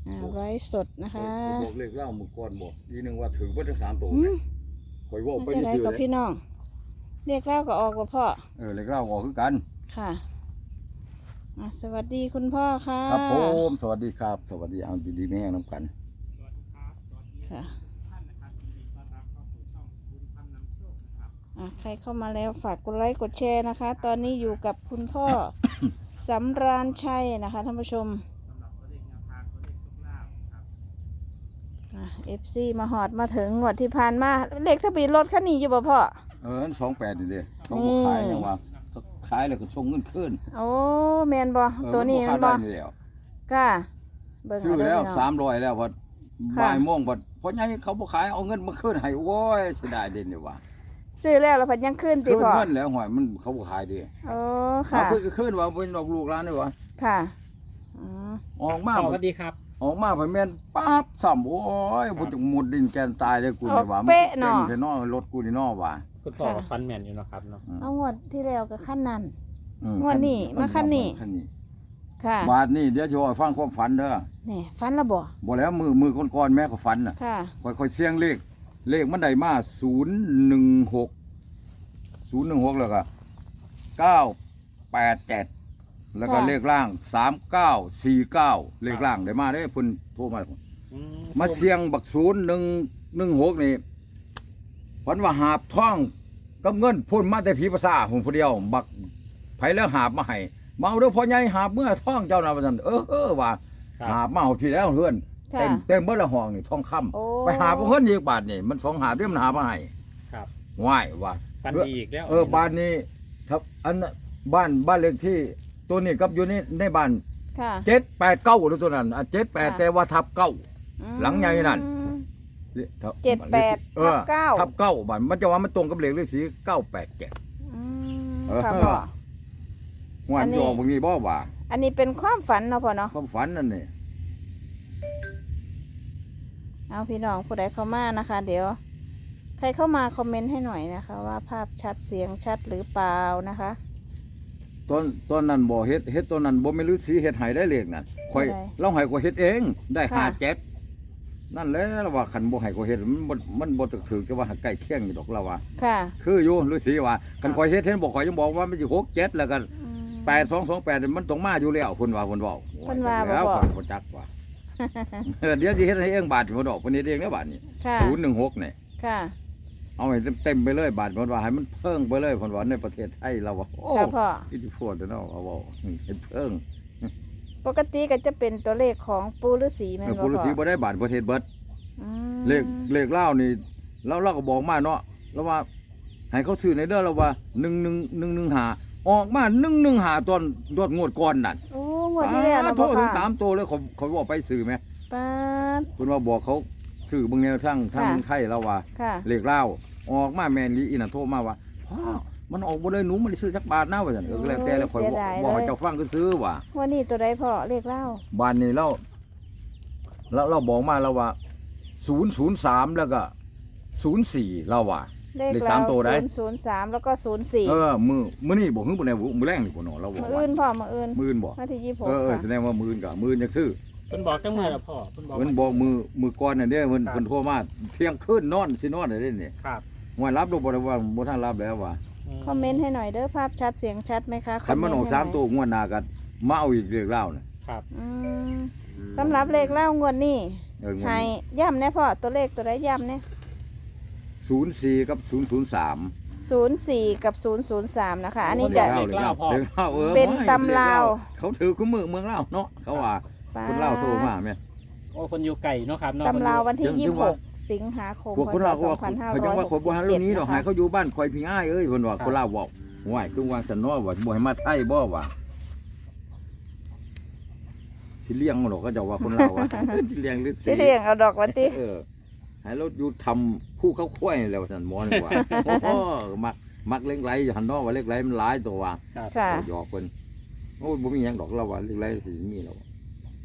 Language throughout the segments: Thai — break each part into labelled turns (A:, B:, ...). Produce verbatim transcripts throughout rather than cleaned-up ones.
A: อ่าไว้สดนะคะ
B: บอกเลขเล่ามึงก่อนบอกทีนึงว่าถือว่าทั้งสามตัวคอยว่าไป
A: จะได้
B: ซื้อ
A: กับ
B: เลย
A: พี่น้องเรียกเล่าก็ออกกับพ่อ
B: เออเลขเล่าออกคือกัน
A: ค่ะอ่ะสวัสดีคุณพ่อค่ะ
B: ครับผมสวัสดีครับสวัสดีเอาดีๆแม่น้ำกัน
A: ค่ะอ่ะใครเข้ามาแล้วฝากกดไลค์กดแชร์นะคะ ตอนนี้อยู่กับคุณพ่อ สำราญชัยนะคะท่านผู้ชมเอฟซีมาหอดมาถึงงวดที่ผ่านมาเลขทะเบียนรถคันนี้อยู่บ่พ่อ
B: เออสองแปดนี่เด้เขาบอกขายยังว่าขายแล้วก็ส่งเงินคืน
A: โอ้แมนบ่ตัวนี้มันบ่ก้า
B: ซื้อแล้วสามร้อยแล้วพอบ่ายโมงพอเพราะงั้นเขาบอกขายเอาเงินมาคืนให้โอ้ยเสียดายเด่นเลยว่ะ
A: ซื้อแล้วแล้วพันยังขึ้นติพ่อ
B: คืนเงินแล้วหอยมันเขาบอกขายดี
A: โอ้ค่ะ
B: คืนคืนว่าเป็นดอกลูกร้านนี่วะ
A: ค่ะ
B: ออกมา
C: สวัสดีครับ
B: ออกมาไปแม่นปั๊บซ้ำโอ้ยบ่จังหมดดินแกนตายเลยกูนี่ว่ามันเต็มแต่นอรถกูนี่นอว่า
C: คุณพ่อฟันแมนอยู่นะครับเนาะ
A: เอางวดที่แล้วกับขั้นนั้นงวดนี้มาขั้นนี้ค่ะ
B: บาทนี่เดี๋ยวจะฟังความฝันเด้อ
A: นี่ฝันละบ่
B: บ่แล้วมือมือก่อนๆแม่ก็ฝันน่ะ
A: ค่ะ
B: ค่อยๆเสี่ยงเลขเลขมันได้มาศูนย์หนึ่งหก ศูนย์หนึ่งหกแล้วก็เก้าแปดเจ็ดแล้วก็เลขล่างสามเก้าสี่เก้าเลขล่างได้มาได้เพิ่นโทรมามาเสียงบักศูนย์หนึ่งหนึ่งหกนี่ฝันว่าหาบท่องกับเงินพุ่นมาแต่ผีภาษาผมผู้เดียวบักไผแล้วหาบมาให้มาเอาเด้อพ่อใหญ่หาบเมื่อท่องเจ้าน่ะว่าซั่นเออเออว่าหาบมาเอาทีแล้วเฮือนเต็มเต็มเบิดละห้องนี่ทองคำไปหาบเพิ่นอีกบาทนี่มันสองหาบเด้มันหามาให้
C: ครับ
B: ว้ายว่า
C: ฟันดีอีกแล้ว
B: เออบ้านนี้ครับอันบ้านบ้านเลขที่ตัวนี้กับอยู่นี่ในบ้านเจ็ดแปดเก้าหรือตัวนั้นอ่ะเจ็ดแปดแต่ว่าทับเก้าหลังใหญ่นั่น
A: เจ็ดแปดทับเก้า
B: ทับเก้าบ้านมันจะว่ามันตรงกับเลขฤาษีเก้าแปดเจ็ด
A: ค่ะพ่อ
B: วันจอบางนี้บ่ว่า
A: อันนี้เป็นความฝันเนาะพ่อเนาะ
B: ความฝันนั่นนี่
A: เอาพี่น้องผู้ใดเข้ามานะคะ เดี๋ยวใครเข้ามาคอมเมนต์ให้หน่อยนะคะว่าภาพชัดเสียงชัดหรือเปล่านะคะ
B: ตอนตอนนั้นบ่เฮ็ดเฮ็ดตอนนั้นบ่ไม่รู้สีเฮ็ดให้ได้เลขนั่นข่อยเราให้ข่อยเฮ็ดเองได้ห้าเจ็ดนั่นแหละเราว่าคันบ่ให้ข่อยเฮ็ดมันบ่มันบ่ถือจะว่าใกล้เคียงอยู่ดอกเราว่า
A: ค่ะ
B: คืออยู่ฤาษีว่าคันข่อยเฮ็ดเห็นบ่ข่อยยังบอกว่ามันสิหกเจ็ดแล้วกันแปดสองสองแปดมันต้องมาอยู่แล้วเพิ่นว่าเพิ่นเว้า
A: เพิ่นว่าบ่
B: แล้วฟังบ่จักว่าเดี๋ยวสิเฮ็ดให้เองบาทสิบ่ดอกเพิ่นเฮ็ดเองแล้วบาทนี้ศูนย์หนึ่งหกนี่
A: ค่ะ
B: เอาให้เต็มไปเลยบาทเพิ่นว่าให้มันเพิ่งไปเลยเพิ่นว่าในประเทศไทยเราว่าโอ้อิทธิพลเนาะเอาเว้าให้เพิ่ง
A: ปกติก็จะเป็นตัวเลขของปู่ฤาษีแม่นบ่
B: ปู่ฤาษีบ่ได้บาทประเทศเบิดเลขเลขเล่านี่เราเราก็บอกมาเนาะแล้วว่าให้เขาซื้อในเด้อแล้วว่าหนึ่งหนึ่งหนึ่งหนึ่งหาออกมาหนึ่งหนึ่งหาตอนตอนงวดก่อนนั่น
A: โอ้งวดที่แล้วนะ
B: พ่อถึงสามตัวเลยเขาเขาบอกไปซื้อไหม
A: ป้า
B: คุณว่าบอกเขาซื้อบางแนวทั้งทั้งไทยเราว่าเลขเล่าออกมาแมนลีอินโทรมาว่าพ่อมันออกบ่ได้หนูมันซื้อจักบาทนะว่าซั่นเออแล้วแต่แล้วข่อยบอกให้เจ้าฟังก็ซื้อว่า
A: วันนี้ตัวใดพ่อเลขเล่า
B: บ้านนี้เราเราเราบอกมาแล้วว่าศูนย์ศูนย์สามแล้วก็ศูนย์สี่เราว่า
A: เลขสามตัวได้ศูนย์สามแล้วก็ศูนย์สี่
B: เออมือมื้อนี้บ่ฮึบ่ได้มื้อแรงนี่บ่เนาะเราบอก
A: มื้ออื่นพ่อมื้ออื่น
B: มื้ออื่นบ่
A: วันที่ยี่สิบหก
B: เออแสดงว่ามื้ออื่นก็มื้ออื่นจังซื้อ
C: เพิ่นบอกจังมื้อล่ะพ่อเพิ่นบอก
B: เพิ่นบอกมือมือก่อนน่ะเด้เพิ่นเพิ่นโทรมาเที่ยงคืนนอนสินอนได้เด้นี่
C: ครับ
B: ว่ารับดูบ่ได้ว่าบ่ทันรับแล้วว่า
A: คอมเมนต์ให้หน่อยเด้อภาพชัดเสียงชัดมั้ยคะ
B: คันมันออกสามตัวงวดหน้าก็มาเอาอีกเลขเล่าน่ะ
C: ครับ
A: อืมสำหรับเลขเล่างวดนี้ให้ย้ำแน่พ่อตัวเลขตัวใดย้ำแน่
B: ศูนย์สี่กับศูนย์ศูนย์สาม
A: ศูนย์สี่กับศูนย์ศูนย์สามนะคะอันนี้จะ
B: เลขเล่า
A: เป็นตำลาว
B: เขาถือคู่มือเมืองลาวเนาะเขาว่าคนลาวโทรมาแม่
C: โอ้คนอยู่ไกลเนาะครับ
A: ตำลาววันที่ยี่สิบหกสิงหาคม
B: พศสองพันห้าร้อยหกสิบเจ็ดนี้ดอกหายเขาอยู่บ้านคอยพี่อ้ายเอ้ยเพิ่นว่าคนลาวเว้าห่วยคือว่าซั่นเนาะว่าบ่ให้มาไทยบ่ว่าสิเลี้ยงดอกก็จะว่าคนลาวว่าสิเลี้ยงหรือ
A: สิเลี้ยงเอาดอกว่าติ
B: เออให้เราอยู่ทำผู้เขาค่อยแล้วซั่นหมอนี่ว่าโอ้มักมักเล็กไหลอยู่หั่นเนาะว่าเล็กไหลมันหลายตัวว่า
A: ค่ะ
B: หยอกเพิ่นโอ้บ่มีหยังดอกเราว่าเล็กไหลสิมีแล้ว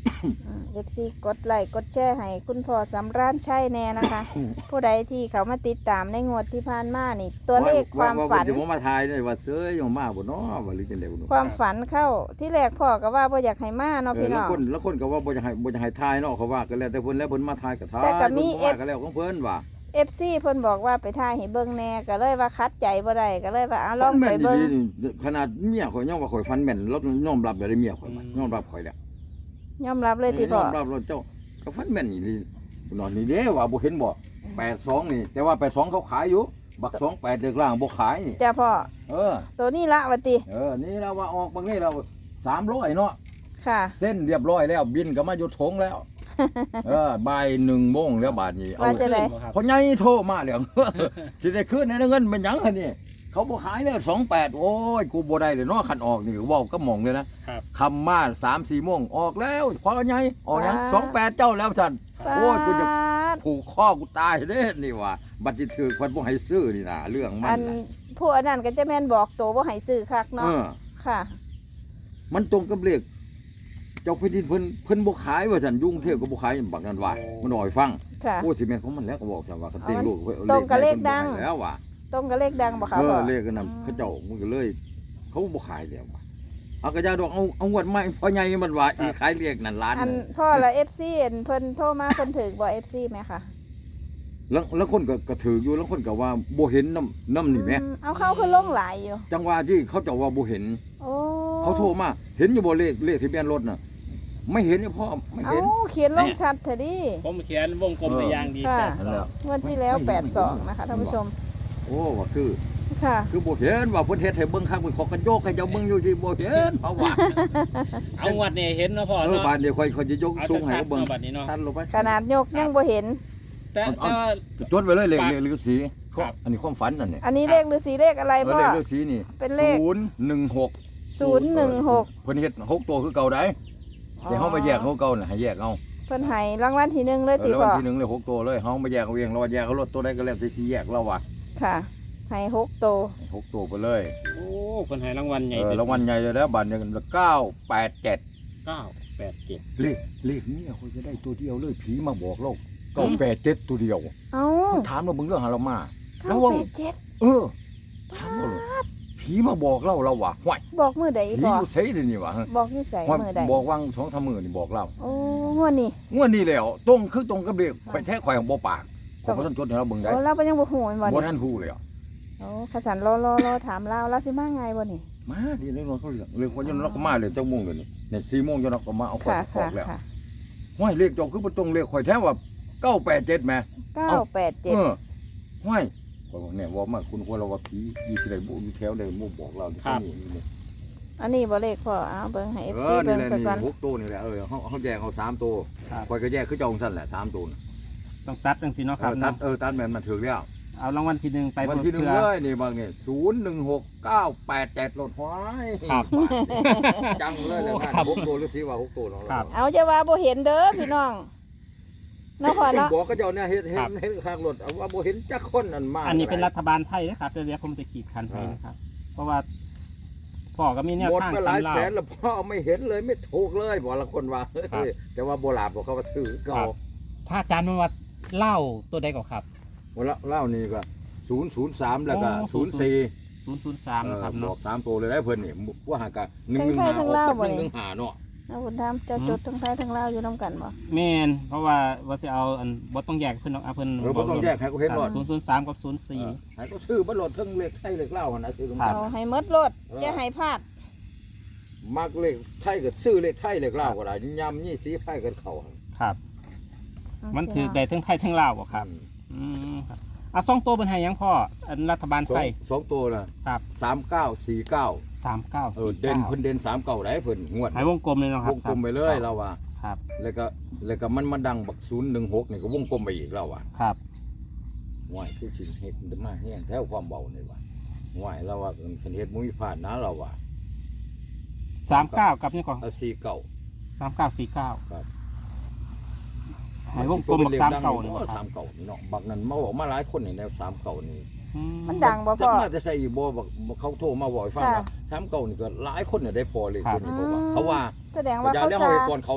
A: เอฟซีกดไลค์กดแชร์ให้คุณพ่อสำราญชัยแน่นะคะ ผู้ใดที่เขามาติดตามในงวดที่ผ่านมานี่ ตัวเลขความฝัน
B: จะมาทายได้ว่าเสื้อยังมาบ่เนาะว่าหรือจังได๋บ่เนาะ
A: ความฝันเข้าที่แรกพ่อก็ว่าบ่อยากให้มาเนาะ
B: เออ
A: พี่
B: แล้
A: น้
B: ว
A: อง
B: คนแล้วคนก็ว่าบ่จะให้บ่จะให้ทายเนาะเขาว่ากันแล้วแต่เพิ่นแล้วเพิ่นมาทายก็ทาย
A: แต่ก็มี
B: เพิ่น
A: F
B: ว่ากันแล้วของเพิ่นว่า
A: เอฟซีเพิ่นบอกว่าไปถ่ายให้เบิ่งแน่ก็เลยว่าคัดใจบ่ได้ก็เลยว่าเอาลอง
B: ฟัน
A: ไป
B: แม่น
A: เบิ่ง
B: ดีๆขนาดเมียข่อยยังว่าข่อยฟันแม่นแล้วยอมรับได้เมียข่อยว่ายอมรับข่อยแล้ว
A: ยอมรับเลยติพ่อย
B: อมรับแล้วเจ้าก็ฟันแม่นอีหลีนอนนี่เด้ว่าบ่เห็นบ่แปดสองนี่แต่ว่าแปดสองเขาขายอยู่บักสองแปดเด็กล่างบ่ขายนี่
A: จ้าพ่อ
B: เออ
A: ตัวนี้ละว่าติ
B: เออนี่เราว่าออกบางนี่เราสามร้อยเนาะ
A: ค่ะ
B: เส้นเรียบร้อยแล้วบินก็มาอยู่ทงแล้ว เออบ่ายหนึ่งโมงแล้วบาทนี้เอา
A: ว่าจะได้
C: บ่ครับ
B: คนใหญ่โทรมาแล้ว สิได้คืนในเงินเป็นหยังคะนี่เขาบ่ขายเลยสองแปดโอ้ยกูบ่ได้เลยเนาะคันออกนี่เว้าก็มองเลยนะครับ คำมาสามสี่โมงออกแล้วพอใหญ่ออกหยังสองแปดเจ้าแล้วฉัน โอ้ยกูจะ
A: ปาด
B: ผูกข้อกูตายเด้นี่ว่าบัตรสิถือคนบ่ให้ซื้อนี่นะเรื่องมั
A: อั
B: น
A: น
B: น่ะ
A: ผู้อันนั้นก็จะแม่นบอกตัวบ่ให้ซื้อคัก
B: เอ
A: เนาะ
B: อ
A: ค่ะ
B: มันตรงกับเลขเจ้าแผ่นดินเพิ่นเพิ่นบ่ขายว่าซั่นยุ่งเทพก็บ่ขายบักนั้นว่ามันอ่อยฟัง
A: ค่ะ
B: โอ้สิแม่นของมันแล้วก็บอกซั่นว่าเขาเต็งลูกไว้อา
A: ตรงกับเลขดัง
B: พิ่นบ่ให้แล้วว่ะ
A: ตรงกับเลขดังบ่คะ
B: เอ
A: พ่
B: อ
A: อ
B: เลขนั้นเขาเจ้ามันก็เลย เขาบ่ขายแล้วว่ะเอากระยาดอกเอาเอางวดใหม่พ่อใหญ่มันว่าอีขายเลขนั่นล้าน
A: อัน
B: หนึ่ง
A: พ่อละ เอฟ ซี เห็นเพิ่นโทรมาเพิ่นถึกบ่ เอฟ ซี ไหมคะ
B: แล้วแล้วคนก็ก็ถืออยู่แล้วคนก็ว่าบ่เห็นน้ำน้ำนี่แหม
A: อืมเอาเข้าคือลงหลายอยู่
B: จังหวะที่เขาเจ้าว่าบ่เห็น
A: โอ้
B: เขาโทรมาเห็นอยู่บ่เลขเลขทะเบียนรถน่ะไม่เห็นเนี่ยพ่อไม่
A: เอา
B: เห็น
A: เขียนลงชัดเถอะดิ
C: ผมเขียนวงกลมไปอย่างดี
A: ค่ะ
C: แปด
B: นั่น
C: ส
B: แห
C: อ
B: ละ
C: ง
A: งวันที่แล้ว แปดสอง นะคะท่านผู้ชม
B: โอ้ว่าคือ
A: ค่ะ
B: คือบ่เห็นว่าเพิ่นเฮ็ดให้เบิ่งคักเพิ่นขอกันโยกให้เจ้าเบิ่งอยู่สิบ่เห็นเพราะว่า
C: เอางวดนี่เห็นเนาะพ่อ
B: เออ
C: เนาะ
B: บาดนี้ค่อยค่อยจะยก
C: เอา
B: สูงให้
C: ชัด
B: เขา
C: ๆ
B: เบิ่ง
C: เนาะบัดนี้เนาะ
B: ทันลงไป
A: ขนาดยกยังบ่เห็น
C: แต่แต่ว่า
B: จดไว้เลยเลข
C: ฝาก
B: เลขฤาษี
C: ครับ
B: อันนี้ความฝันนั่นนี่
A: อันนี้เลขฤาษีเลขอะไร
B: เออ
A: พ่อ
B: เลขฤาษีนี่
A: เป็นเลข
B: ศูนย์หนึ่งหก
A: ศูนย์หนึ่งหก
B: เพิ่นเฮ็ดหกตัวคือเก่าได้แต่เฮามาแยกเขาเก่าน่ะให้แยกเอา
A: เพิ่นให้รางวัลที่หนึ่งเลย
B: เอ
A: ติ
B: อแล้ว
A: พ่
B: วั
A: อ
B: นที่หนึ่งเลยหกตัวเลยเฮามาแยกเอาเองเราว่าแยกเขารถตัวใดก็แล้วแต่สิแยกเราว่า
A: ค่ะให้หกตัว
B: หกตัวไปเลย
C: โอ้เพิ่นให้รางวัลใหญ่
B: เออรางวัลใหญ่เลยแล้วบาทหนึงเก้าแปดเจ็ด
C: เก้าแปดเจ็ด
B: เลขเลขนี้เขาจะได้ตัวเดียวเลยผีมาบอกเราเก้าแปดเจ็ดตัวเดียว
A: เอ้า
B: ถามเราเบิ่งเรื่องหาเรามา แล้
A: เก้าว
B: ว่า
A: แปดเจ็ด
B: เออถามเราเลยผีมาบอกเราเราว่าห้วย
A: บอกมือใด
B: ผี
A: พ่อ
B: อยู่ไสเดี๋ยวนี้วะ
A: บอกอยู่ใส่
B: ห้วย
A: มือใด
B: บอกวางสองสามมื้อนี่บอกเรา
A: โอ้งวดนี้
B: งวดนี้แล้วตรงคือตรงกับเลขข่อยแท้ข่อยของบ่ปากขอยบ่ทันจดให้เราเบิ่งได้
A: โอ้เราก็ยังบ่ฮู้แม่นบ่
B: บ่
A: นี่
B: ทันฮู้เลยอ่ะ
A: โอ้ขสันรอรอรอถามเราเราสิมาไงบ่นี่
B: มาดิเรื่องเขาเรื่องเรื่องคนยนต์เราก็มาเลยเจ้าโมงเดี๋ยวนี้เนี่ยสี่โมงจนเราก็มาเอาข่อย
A: ค่ะ
B: ออกแล้ว
A: ค่ะค่ะ
B: ห้วยเลขเจ้าคือบ่ตรงเลขข่อยแท้ว่าเก้าแปดเจ็ดแหม
A: เก้าแปดเจ็ด
B: เออห้วยข่อยบอกเนี่ยว่ามาคุณควรเราว่าผีอยู่สิได้บ่อยู่แถวใดบ่บอกเราที่นี่นี่
A: อันนี้บ่เลขพ่อเอาเบิ่งให้
B: เอ
A: เอฟ ซี
B: อ
A: เบิ่
B: นี่
A: ง
B: แหละ
A: ซะ
B: นี่
A: ก่อน
B: หกตัวนี่แหละเออเฮาเฮาแยกเอาสามตัว
C: ครับ
B: ข่อยก็แยกคือเจ้าของซั่นแหละสามตัวน่ะ
C: ต้องตัดจังซี่เนาะ
B: เอ
C: ครับ
B: อตัด
C: เนาะ
B: เออตัดแม่นมันถึงแล้ว
C: เอารางวัลที่หนึ่งไป
B: วันที่หนึ่ง
C: เพื่อ
B: เลยนี่บางนี่ศูนย์หนึ่งหกเก้าแปดเจ็ดรถห้อย
C: ครับ
B: จังเลยเลยท่าน
C: ครับ
B: หกตัวหรือสิว่าหกตัวเนาะ
C: ครับ
A: เอาจะว่าบ่เห็นเด้อพี่น้องเนาะพ่อเนาะ
B: บอกก็เจ้าเนี่ยเห็นเห็
C: ครั
B: น
C: บ
B: เห็นข้างรถเอาว่าบ่เห็นจักคนอันมา
C: อันนี้เป็นรัฐบาลไทยนะครับเดี๋ยวผมจะขีดคันให้นะครับ เพราะว่าพ่อก็มีแนว
B: หมด
C: ทาง
B: ไปหลาย
C: ตำรา
B: แสนแล้วพ่อไม่เห็นเลยไม่ถูกเลยบอกละคนว่า
C: ครับ
B: แต่ว่าโบราณบอกเขาว่าซื้อ
C: ครั
B: เก่า
C: บ ถ้าอาจารย์มันว่าเล่าตัวใดก่อนครับ
B: วันละเล่านี่ก็ศูนย์ศูนย์สามแล้วก็
C: อ๋อ
B: ศูนย์สี่
C: ศูนย์ศูนย์สามนะครับ
B: บอ
C: เนาะ
B: กสามตัวเลยได้เพิ่นนี่ว่าหากะหนึ่งหนึ่งหาออกเป็นหนึ่งหนึ่งหาเนาะ
A: เอาคุณทำเจ้าจดทั้งไทยทั้งลาวอยู่นํกันบ่
C: แม่นเพราะว่าว่าสิเอาอันบ่ต้องแยกเพิ่นเนาะเอาเพิ่น
B: เออบ่ต้องแยกให้เขาเห็นรถ
C: ศูนย์ศูนย์สามกับศูนย์สี่
B: ให้เขาซื้อบ่รถทั้งเลขไทยเลขลาวหั่นนะซื้อตรง
C: ครั
B: กับ น
A: เอาให้หมดโลด
B: เออ
A: อย่าให้พลาด
B: มักเลขไทยก็ซื้อเลขไทยเลขลาวก็ได้ยำยี่สีไผกันเข้าหั่น
C: ครับ มันถือได้ทั้งไทยทั้งลาวบ่ครับ อืมครับเอาสองตัวเป็นไห้ยังพ่ออันรัฐบาล
B: สอ
C: ไท
B: ง
C: ย
B: สองตัวน่ะ
C: ครับ
B: สามเก้าสี่เก้า
C: สามเก้า
B: เออ
C: สี่
B: เด่น
C: เก้า
B: เพิ่นเด่นสามเก้าได้เพิ่นงวด
C: หายวงกลมเลยเนาะคว รับ
B: งกลมไปเลยเราว่า
C: ครับ
B: แล้วก็แล้วก็มันมาดังบักศูนย์หนึ่งหกนี่ก็วงกลมไปอีกแล้วว่ะ
C: ครับ
B: ห่วยคือสิเฮ็ดมาแห้งแถวความเบานี่ว่ะห่วยเราว่าเพิ่นเฮ็ดมุ้ยพลาดนะเราว่า
C: สามเก้ากับนี่ก่อน
B: เอาสี่เก้า
C: สามเก้าสี่เก้า
B: ครับ
C: หายวงกลมบักสามเก้านี่
B: นี่
C: บ่ค
B: สา
C: รับ
B: มเก้านี่เนาะบักนั้นมาบอกมาหลายคนนี่แนวสามเก้านี่
C: อื
A: มันดังบ่
B: จั
A: พ่
B: ก
A: อ
B: มาจะใส่อีกบ่บักบักเขาโทรมาบอกให้ฟัง
A: ค่ะ
B: ว่าสามเก้านี่ก็หลายคนเนี่ยได้พอเลย
C: ครั
B: ตั
C: บ
B: วนี้เพราะว่าเขาว่า
A: แสดงว่า
B: อย่า
A: เขา
B: แล้ว
A: ซา
B: เฮาก่อนเขาเนาะ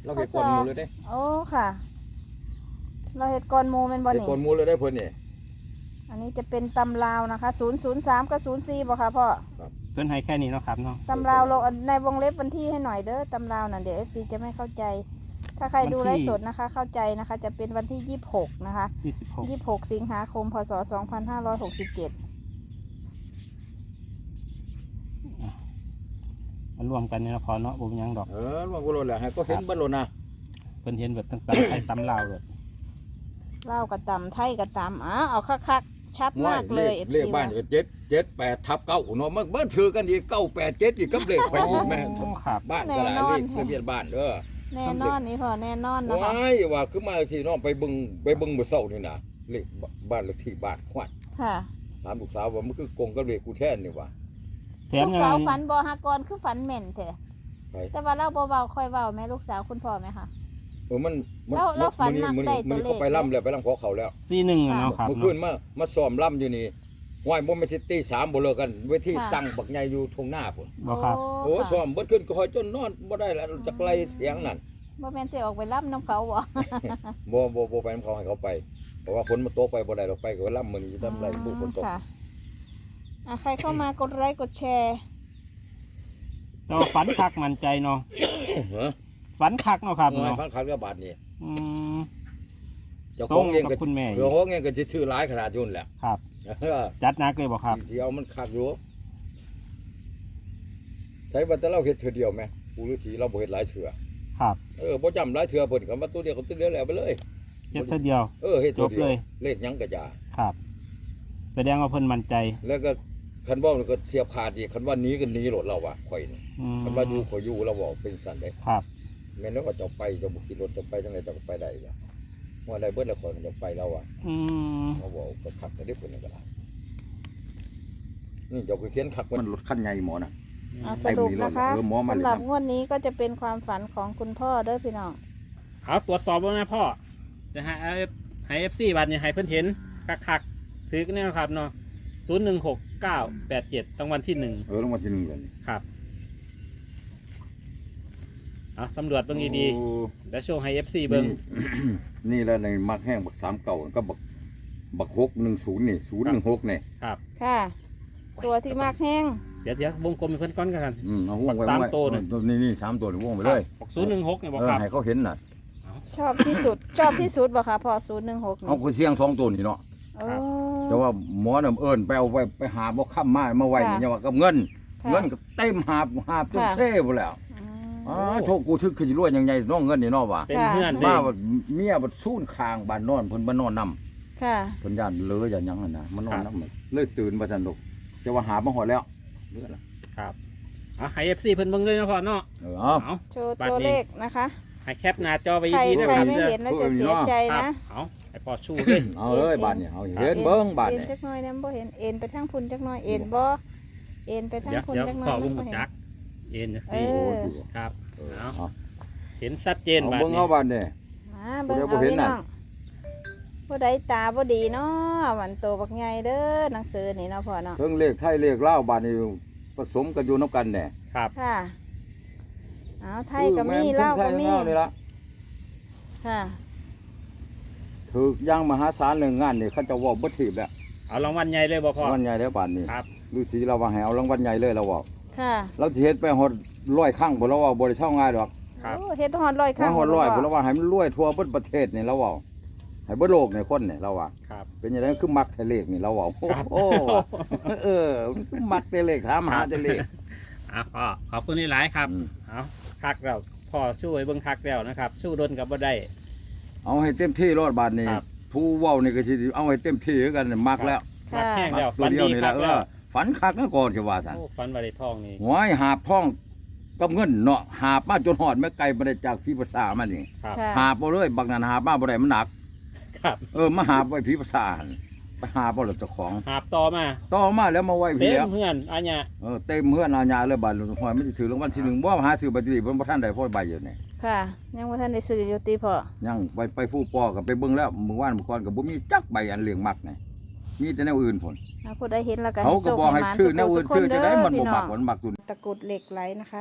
B: เราเฮ็ดก่อนหมู่เลยเด้
A: โอ้ค่ะ เราเฮ็ดก่อนหมู่แม่นบ่
B: เฮ็ด
A: นี่
B: ก่อนหมู่เลยได้เพิ่นนี่
A: อันนี้จะเป็นตำลาวนะคะศูนย์ ศูนย์ สามกับศูนย์ สี่บ่คะพ่อ
C: เพิ่นให้แค่นี้เนาะครับเนาะ
A: ตำราวลงในวงเล็บวันที่ให้หน่อยเด้อตำราวน่ะเดี๋ยว เอฟ ซี จะไม่เข้าใจ ถ้าใครดูไลฟ์สดนะคะ เข้าใจนะคะ จะเป็นวันที่ยี่สิบหกนะคะ
C: ยี่สิบหก
A: ยี่สิบหกสิงหาคมพศสองพันห้าร้อยหกสิบเจ็ด
C: มันรวมกันนี่นะพอเนาะบ่มีหยังดอก
B: เออมันก็โลดแหละให้ก็เห็นเบิดโลดนะ
C: เพิ่นเห็นแบบต่างๆไทยตำลาวเลย
A: เล่าวกับตำไทยกับตำอ๋อเอาคักๆชัดมากเลย
B: เลขบ้านก็เจ็ดเจ็ดแปดทับเก้าเนาะมันเบิ่ถือกันอีกเก้าแปดเจ็ดอีกกับเลขไปอีกแม่
C: โอ้ครับ
B: บ้านก็หลายเลขทะเบียนบ้านเด้อ
A: แน่นอนนี่พ่อแน่นอนนะคะ
B: ว้ายว่าคือมาสิน้องไปเบิ่งไปเบิ่งมื้อเช้านี่นะเลขบ้านเลขที่บ้านขวัญ
A: ค่ะ
B: ถามลูกสาวว่ามันคือกงกับเลขกูแท้นี่ว่า
C: แถม
A: ลูก
C: ยั
A: สาว
C: ง
A: ฝันบอฮากรคือฝันเหม็นเถอะ
B: ไป
A: แต่ว่าเล่าเบาๆค่อยเบาแม่ลูกสาวคุณพ่อไหมคะ
B: เออมันมั
A: แล้วแล้วฝันมัก
B: มื้อ
A: ได้
B: นี้
A: ตัวเลข
B: มื้อนี้เขาไปล่ำแล้วไปล่ำขอเขาแล้ว
C: สี่หนึ่งอะเนาะครับ
B: เมื่อคืนมามาซ้อมล่ำอยู่นี่ห้วยบ่แม่นสิตีสามบ่เลิกกันเวที
A: ค่ะ
B: ตั้งบักใหญ่อยู่ทงหน้าพุ่น
C: บ่ครับ
B: โอ้
A: ค่ะ
B: ซ้อมเบิดขึ้นก็คอยจนนอนบ่ได้แล้วจักไล่เสียงนั่น
A: บ่แม่นสิออกไปรับน้ำเขาบ่
B: บ่บ่บ่ไปนำเขาให้เขาไปเพราะว่าฝนมันตกไปบ่ได้ดอกไปก็ล่ำมื้อนี้จะทำไรผู้ฝนตก
A: ค่ะอ่ะใครเข้ามากดไลค์กดแชร์
C: แต่ว่าฝันคักมั่นใจเนาะ
B: ฮะ
C: ฝันคักเนาะครับ
B: เออ
C: เนาะ
B: ฟังข่าวกับบาทนี่
C: อืม
B: เจ้าของเอง
C: ตรงกั
B: ก็
C: บคุณแม่
B: เจ้าของเองก็สิซื้อหลายขนาดอยุ่นนแหละ
C: ครับ
B: เออ
C: จัดหนักเลยบ่ครับ
B: สิเอามันคักอยู่ใช้ว่าแต่เราเฮ็ดเทื่อเดียวแม่ปู่ฤาษีเราบ่เฮ็ดหลายเทื่อ
C: ครับ
B: เออบ่จำหลายเทื่อเพิ่นก็มาตัวเดียวก็ตัวเดียวแล้วไปเลย
C: เจ็บเท่าเดียว
B: เออเฮ็ดตัว
C: จบ
B: เดีย
C: เล
B: วย เลขหยังก็อย่า
C: ครับ แสดงว่าเพิ่นมั่นใจ
B: แล้วก็คันเว้านี่ก็เสียบขาดอีกคันว่าหนีก็หนีโลดเราว่าข่อยนี่
C: อืม
B: คันว่าอยู่ข่อยอยู่เราบอกเป็นสั่นเด้
C: ครับ
B: แม่นว่าเจะไปเจะบ่ขี่รถเจะไปจังไดเจะก็ไปได้ล่ะว่าได้เบิดแล้วข่อยก็จะไปแล้วอ่ะ
C: อืม
B: เขาบอกก็ขับแต่ได้ผลก็ได้นี่เจ้าคือเขียนขับมันรถคันใหญ่หมอน่ะ
A: อ่ะสรุปนะคะ
B: เออหมอมาเลย
A: สำหรับงวดนี้ก็จะเป็นความฝันของคุณพ่อเด้อพี่น้อง
C: เอาตรวจสอบแล้วนะพ่อจะให้ให้ เอฟ ซี บัตรเนี่ยให้เพิ่นเห็นคักๆถือกันแน่ครับเนาะศูนย์หนึ่งหกเก้าแปดเจ็ดรางวัลที่หนึ่ง
B: เออรางวัลที่หนึ่งเลย
C: ครับเอาสำรวจเบิ่งดี
B: โอ้
C: ๆแล้วโชว์ให้ เอฟ ซี เบิ่ง
B: นี่ นี่แหล้วในมักแห้งบักสามเก่าก็บักบักหกหนึ่งศูนย์นี่ศูนย์หนึ่งหกนี่
C: ครับ
A: ค่ะ ตัวที่มากแห้ง
C: เดี๋ยวเดี๋ยววงกลมให้เพิ่นก้อนกัน
B: อืมเอาห่วงไว้
C: สาม
B: ไว้
C: ตัวนี่
B: นี่นี่สามตัวนี่ห่วงไปเลย
C: บอกศูนย์หนึ่งหกเนี่ยบอก
B: เออ
C: ครับ
B: ให้เขาเห็นน่ะ
A: ชอบที่สุด ชอบที่สุดบ่คะพ่อศูนย์หนึ่งหก
B: เอาคนเสียงสองตัวนี่เนาะ
A: โอ้
B: แต่ว่าหมอน่ะเอิ้นไปเอาไว้ไปหาบ่ค้ำมามาไว้นี่อย่าว่ากับเงิน
A: ค่ะ
B: เงินก็เต็มหาบหาบจน
A: ค่ะ
B: เซ่บ่แล้ว
A: อืม
B: อ๋อโชคกูทึกคือสิรวยยังไงน้องเงินนี่เนาะว่า
C: เป็นเพื่อนเด้
B: มาว่าเมียบัดซูนคางบ้านนอนเพิ่นมานอนนำ
A: ค่ะ
B: เพิ่นย่านเลออย่างหยังหั่นน่ะมานอนนำเลยตื่นมาซั่นดอกแต่ว่าหามาหอดแล้วเลือละ
C: ครับเอาให้ เอฟ ซี เพิ่นเบิ่งเลยนะพ่อเนาะ
B: เออเอา
C: เอา
A: โชว์ตัวเลขนะคะ
C: ให้แคปหน้าจอไป
A: ใคร
C: ดีๆนะ
A: ใคร
C: ครับ
A: ไม่เห็นแล้วจะเสียใจ
C: ครับ
A: นะ
C: เอาให้พ่อชูเลย
B: เอาเลยบาดนี่เอาเห็นเบิ่งบาด
A: เอ็น
B: นี่
A: จักหน่อยนะบ่เห็นเอ็นไปทางพุ่นจักหน่อยเอ็นบ่เอ็นไปทาง
C: เดี๋ยว
A: พุ่น
C: เดี๋ยว
A: จักหน่อ
C: พ่อย วง
A: บ่
C: บุ
A: เห็น
C: จักเอ็นนะ
A: เอ
C: สิ
A: อ
B: โอ้ย
C: ครับ
B: เออ
C: เอา
B: เอา
C: เห็นชัดเจน
B: เอา
C: บาด
B: เบิ่ง
C: นี้
B: เอาบาดนี่
A: มาเบิ่ง
B: เดี๋ยวบ่
A: เอา
B: เห็น
A: พี่
B: น่ะ
A: น้องผู้ใดตาบ่ดีเนาะมันโตบักใหญ่เด้อหนังสือนี่เนาะพ่อเนาะ
B: เพิ่งเลขไทยเลขลาวบาดนี่ผสมกันอยู่นํกันแน่
C: ครับ
A: ค่ะเอาไทยก็มีลาวก็มี
B: ไทยลาวนี่ล่ะ
A: ค่ะ
B: ถูกอย่างมหาศาลเรื่องงานนี่เขาเจะเว้าบ่ถีบแล้ว
C: เอารางวัลใหญ่เลยบ่พ่อ
B: รางวัลใหญ่แล้วบาดนี้
C: ครับ
B: ฤาษีเราว่าให้เอารางวัลใหญ่เลยเราเว้า
A: ค่ะ
B: เราสิเฮ็ดไปฮอดร้อยครั้งบ่เราเว้าบ่ได้เช่าง่ายดอก
C: ครับ
A: โอ้เฮ็ดฮอดร้อยครั้
B: มาง ฮอดร้อย
A: บ่
B: บ่เราว่าให้มันรวยทั่วเบิดประเทศนี่เราเว้าให้เบิดโลกนี่คนนี่เราว่า
C: ครับ
B: เป็นยังไงคือมักแต่เลขนี่เราเว้า
C: ครับ
B: โอ้เออคือมักแต่เลขถามหาแต่เลข
C: อ่ะพ่อขอบคุณหลายๆครับ
B: อืม
C: เอาคักแล้วพ่อช่วยเบิ่งคักแล้วนะครับ สู้ดนกับบ่ได้
B: เอาให้เต็มที่รอดบาดนี้
C: ครับ
B: ผู้เว้านี่ก็สิเอาให้เต็มที่คือกันนี่มักแล้ว
C: มักแห้ง
B: มั
C: แล้ว
B: ตั
C: ฝั
B: วน เดียว
C: ดี
B: นี่
C: ค
B: แห
C: รั
B: ละ
C: บ
B: เอ
C: แล้ว
B: อฝันคักนะก่อนสิว่าซั่น
C: โอ้ฝันว่าได้ทองนี่
B: หวยหาบท่องกับเงินเนาะหาบมาจนหอดแม่ไก่บ่ได้จากพี่ภาษามานี่
C: ครับ
A: ค่ะ
B: หาบบ่เลยบักนั้นหาบมาบ่ได้มันหนัก
C: ครับ
B: เออมาหาบไว้พี่ภาษาหั่นไปหาบ่ล่ะเจ้าของ
C: หาบต่อมา
B: ต่อมาแล้วมาไว้
C: เต็
B: พี่แล้ว
C: มเพื่อนอันเนี้ย
B: เออเต็มเฮือนอาญาเลยบาดหอยมันสิถือรางวัลที่หนึ่งบ่หาซื้อใบที่เพิ่นบ่ทันได้พอใบอยู่นี่
A: ค่ะ ยังบ่ทันได้ซื้ออยู่ติพ่อ
B: ยังไปไปผู้ปอก็ไปเบิ่งแล้วมื้อวานมื้อก่อนก็บ่มีจักใบอันเหลืองมักนี่มีแต่แนวอื่นพุ่น
A: เอาผู้ใดเห็นแล้วก็
B: เขาก็บอกให้ซื้อแนวอื่นซื้อจะได้มันบ่มัก
A: พี่
B: มันมักอยู่
A: ตะกรุดเหล็กไหลนะคะ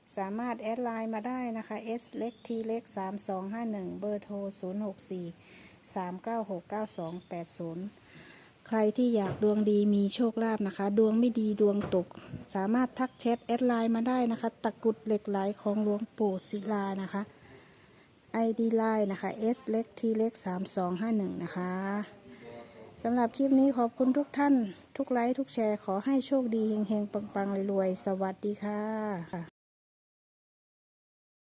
A: สามารถแอดไลน์มาได้นะคะ S เล็ก T เล็กสามสองห้าหนึ่งเบอร์โทรศูนย์หกสี่ สามเก้าหก เก้าสองแปดศูนย์ใครที่อยากดวงดีมีโชคลาภนะคะ ดวงไม่ดีดวงตก สามารถทักแชทแอดไลน์มาได้นะคะ ตะกรุดเหล็กไหลของหลวงปู่ศิลานะคะ ไอ ดี ไลน์นะคะ S เล็ก T เล็กสามสองห้าหนึ่งนะคะสำหรับคลิปนี้ขอบคุณทุกท่าน ทุกไลค์ทุกแชร์ขอให้โชคดีเฮงๆปังๆรวยๆสวัสดีค่ะ